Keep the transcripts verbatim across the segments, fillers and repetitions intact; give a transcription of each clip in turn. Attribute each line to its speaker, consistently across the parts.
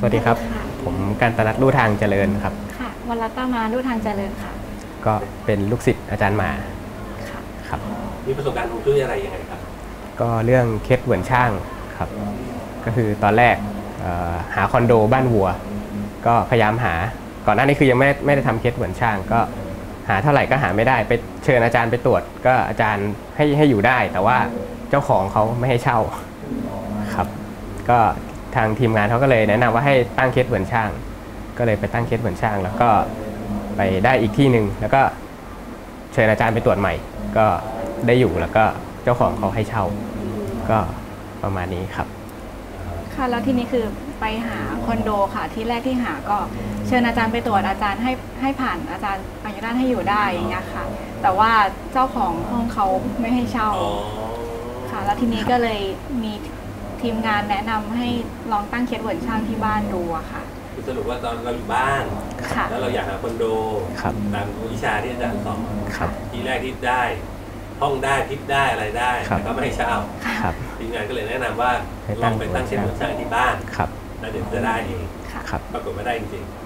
Speaker 1: วัสดีครับผมกันตนัทลู่ทางเจริญครับ
Speaker 2: ค่ะวรตมาลู่ทางเจริญค่ะ
Speaker 1: ก็เป็นลูกศิษย์อาจารย์หมา
Speaker 2: ค่ะ
Speaker 1: ครับ
Speaker 3: มีประสบการณ์ฮวงจุ้ยอะไรยังไงครับ
Speaker 1: ก็เรื่องเคสเหมือนช่างครับก็คือตอนแรกหาคอนโดบ้านวัวก็พยายามหาก่อนหน้านี้คือยังไม่ไม่ได้ทำเคสเหมือนช่างก็หาเท่าไหร่ก็หาไม่ได้ไปเชิญอาจารย์ไปตรวจก็อาจารย์ให้ให้อยู่ได้แต่ว่าเจ้าของเขาไม่ให้เช่าครับก็ทางทีมงานเขาก็เลยแนะนำว่าให้ตั้งเคสเหมือนช่างก็เลยไปตั้งเคสเหมือนช่างแล้วก็ไปได้อีกที่หนึ่งแล้วก็เชิญอาจารย์ไปตรวจใหม่ก็ได้อยู่แล้วก็เจ้าของเขาให้เช่าก็ประมาณนี้ครับ
Speaker 2: ค่ะแล้วทีนี้คือไปหาคอนโดค่ะที่แรกที่หาก็เชิญอาจารย์ไปตรวจอาจารย์ให้ให้ผ่านอาจารย์อนุญาตให้อยู่ได้อย่างเงี้ยค่ะแต่ว่าเจ้าของห้องเขาไม่ให้เช่าค่ะแล้วทีนี้ก็เลยมีทีมงานแนะนำให้ลองตั้งเคสเหมือนช่างที่บ้านดูอะค่ะ
Speaker 3: สรุปว่าตอนเราอยู่บ้านแล้วเราอยากหาคอนโดตามวิชาที่อาจารย์สอนที่แรกที่ได้ห้องได้ทิปได้อะไรได้แต่ก็ไม่ให้เช่าทีมงานก็เลยแนะนำว่าลองไปตั้งเคสเหมือนช่างที่บ้านแล้วเดี๋ยวจะได้เองปรากฏว่าได้จริง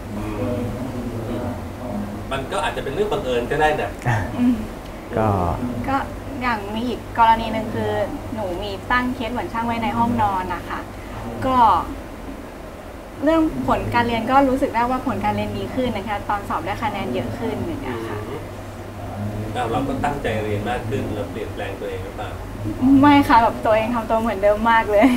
Speaker 3: ๆมันก็อาจจะเป็นเรื่องบังเอิญก็ได้นะ
Speaker 1: ก็
Speaker 2: ก็อย่างมีอีกกรณีหนึ่งคือหนูมีตั้งเคสเหมือนช่างไว้ในห้องนอนนะคะก็เรื่องผลการเรียนก็รู้สึกได้ว่าผลการเรียนดีขึ้นนะคะตอนสอบได้คะแนนเยอะขึ้นอย่างเงี้ยค่ะ
Speaker 3: เราก็ตั้งใจเรียนมากขึ้นเราเปลี่ยนแปลงตัวเองหรือเปล่า
Speaker 2: ไม่ค่ะแบบตัวเองทำตัวเหมือนเดิมมากเลย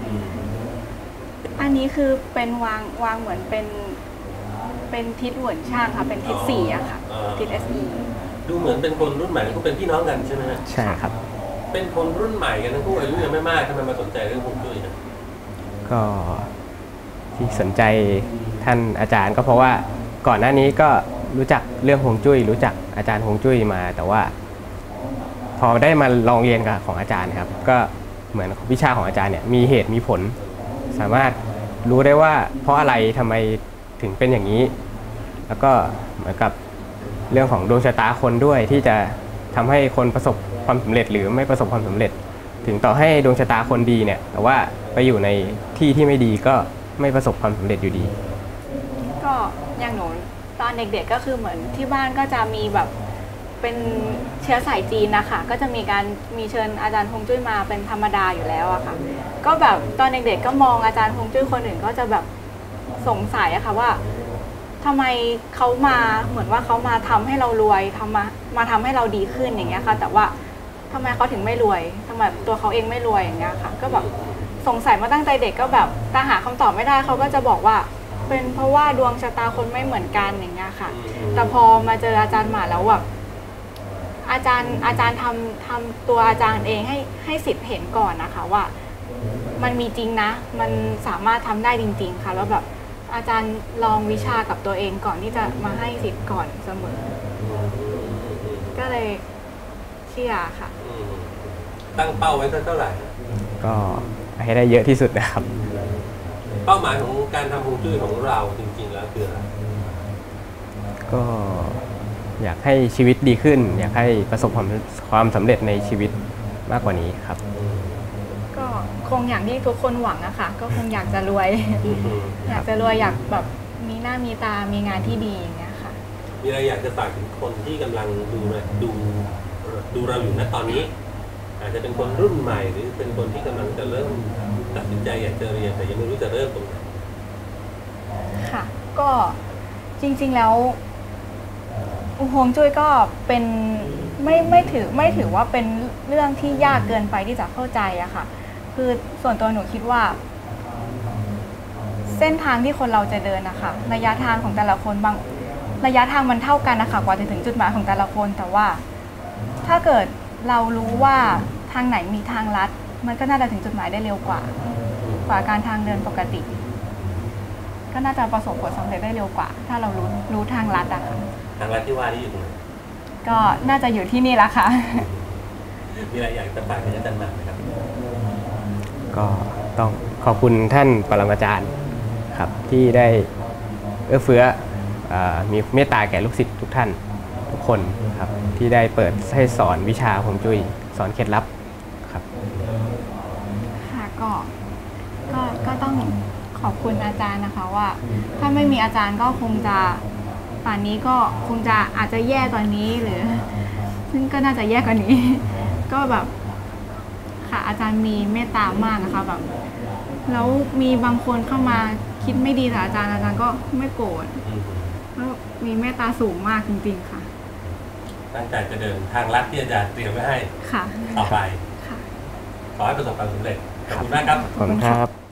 Speaker 2: อันนี้คือเป็นวางวางเหมือนเป็นเป็นทิศเหมือนช่างค่ะเป็นทิศสี่อะค่ะทิศ เอส อี
Speaker 3: ดูเหมือนเป็นคนรุ่นใหม่ก็เป็นพี่น้องกันใช่ไหม
Speaker 1: ใช่ครับ
Speaker 3: เป็นคนรุ่นใหม่กันทั้งคู่อายุยังไม่มากทำไมมาสนใจเรื่องฮวงจุ้ยนะ
Speaker 1: ก็ที่สนใจท่านอาจารย์ก็เพราะว่าก่อนหน้านี้ก็รู้จักเรื่องฮวงจุ้ยรู้จักอาจารย์ฮวงจุ้ยมาแต่ว่าพอได้มาลองเรียนกับของอาจารย์ครับก็เหมือนวิชาของอาจารย์เนี่ยมีเหตุมีผลสามารถรู้ได้ว่าเพราะอะไรทำไมถึงเป็นอย่างนี้แล้วก็เหมือนกับเรื่องของดวงชะตาคนด้วยที่จะทำให้คนประสบความสำเร็จหรือไม่ประสบความสำเร็จถึงต่อให้ดวงชะตาคนดีเนี่ยแต่ว่าไปอยู่ในที่ที่ไม่ดีก็ไม่ประสบความสำเร็จอยู่ดี
Speaker 2: ก็อย่างหนูตอนเด็กๆก็คือเหมือนที่บ้านก็จะมีแบบเป็นเชื้อสายจีนนะคะก็จะมีการมีเชิญอาจารย์ฮวงจุ้ยมาเป็นธรรมดาอยู่แล้วอะค่ะก็แบบตอนเด็กๆก็มองอาจารย์ฮวงจุ้ยคนอื่นก็จะแบบสงสัยอะค่ะว่าทำไมเขามาเหมือนว่าเขามาทำให้เรารวยทำมามาทำให้เราดีขึ้นอย่างเงี้ยค่ะแต่ว่าทำไมเขาถึงไม่รวยทำไมตัวเขาเองไม่รวยอย่างเงี้ยค่ะก็แบบสงสัยมาตั้งแต่เด็กก็แบบแต่หาคำตอบไม่ได้เขาก็จะบอกว่าเป็นเพราะว่าดวงชะตาคนไม่เหมือนกันอย่างเงี้ยค่ะแต่พอมาเจออาจารย์หมาแล้วแบบอาจารย์อาจารย์ทำทำตัวอาจารย์เองให้ให้สิทธิ์เห็นก่อนนะคะว่ามันมีจริงนะมันสามารถทำได้จริงๆค่ะแล้วแบบอาจารย์ลองวิชากับตัวเองก่อนที่จะมาให้สิทธิ์ก่อนเสมอก็เลยเชื่อค่ะ
Speaker 3: ตั้งเป้าไว้เท่าไหร่
Speaker 1: ก็ให้ได้เยอะที่สุดนะครับ
Speaker 3: เป้าหมายของการทำฮวงจุ้ยของเราจริงๆแล้วคืออะไร
Speaker 1: ก็อยากให้ชีวิตดีขึ้นอยากให้ประสบความความสำเร็จในชีวิตมากกว่านี้ครับ
Speaker 2: ก็คงอย่างที่ทุกคนหวังอะค่ะก็คงอยากจะรวยอยากจะรวยอยากแบบมีหน้ามีตามีงานที่ดีอย่างเงี้ยค่ะ
Speaker 3: มีอะไรอยากจะฝากถึงคนที่กำลังดูดูดูเราอยู่ณตอนนี้อาจจะเป็นคนรุ่นใหม่หรือเป็นคนที่กำลังจะเริ่มตัดสินใจอยากจะเรียนแต่ยังไม่รู้จะเริ่มตรงไหน
Speaker 2: ค่ะก็จริงๆแล้วฮวงจุ้ยก็เป็นไม่ไม่ถือไม่ถือว่าเป็นเรื่องที่ยากเกินไปที่จะเข้าใจอะค่ะคือส่วนตัวหนูคิดว่าเส้นทางที่คนเราจะเดินนะคะระยะทางของแต่ละคนบางระยะทางมันเท่ากันนะคะกว่าจะถึงจุดหมายของแต่ละคนแต่ว่าถ้าเกิดเรารู้ว่าทางไหนมีทางลัดมันก็น่าจะถึงจุดหมายได้เร็วกว่ากว่าการทางเดินปกติก็น่าจะประสบผลสำเร็จได้เร็วกว่าถ้าเรารู้รู้ทางลัดอะค่ะ
Speaker 3: ทางลัดที่ว่านี่อยู่ตรงไหน
Speaker 2: ก็น่าจะอยู่ที่นี่ละค่ะ
Speaker 3: มีอะไรอยากจะฝากถึงอาจารย์หมากไหมครับ
Speaker 1: ก็ต้องขอบคุณท่านปรมาจารย์ครับที่ได้เอื้อเฟื้อมีเมตตาแก่ลูกศิษย์ทุกท่านทุกคนครับที่ได้เปิดให้สอนวิชาฮวงจุ้ยสอนเคล็ดลับครับ
Speaker 2: ค่ะก็ก็ก็ต้องขขอบคุณอาจารย์นะคะว่าถ้าไม่มีอาจารย์ก็คงจะป่านนี้ก็คงจะอาจจะแย่กว่านี้หรือซึ่งก็น่าจะแย่กว่านี้ ก็แบบค่ะอาจารย์มีเมตตามากนะคะแบบแล้วมีบางคนเข้ามาคิดไม่ดีแต่อาจารย์อาจารย์ก็ไม่โกรธแล้วมีเมตตาสูงมากจริงๆค่ะ
Speaker 3: ตั้งใจจะเดินทางลัดที่อาจารย์เตรียมไว้ให้ต่อไปขอให้ประสบความสำเร็จขอบคุณมากครับ
Speaker 1: ขอบคุณครับ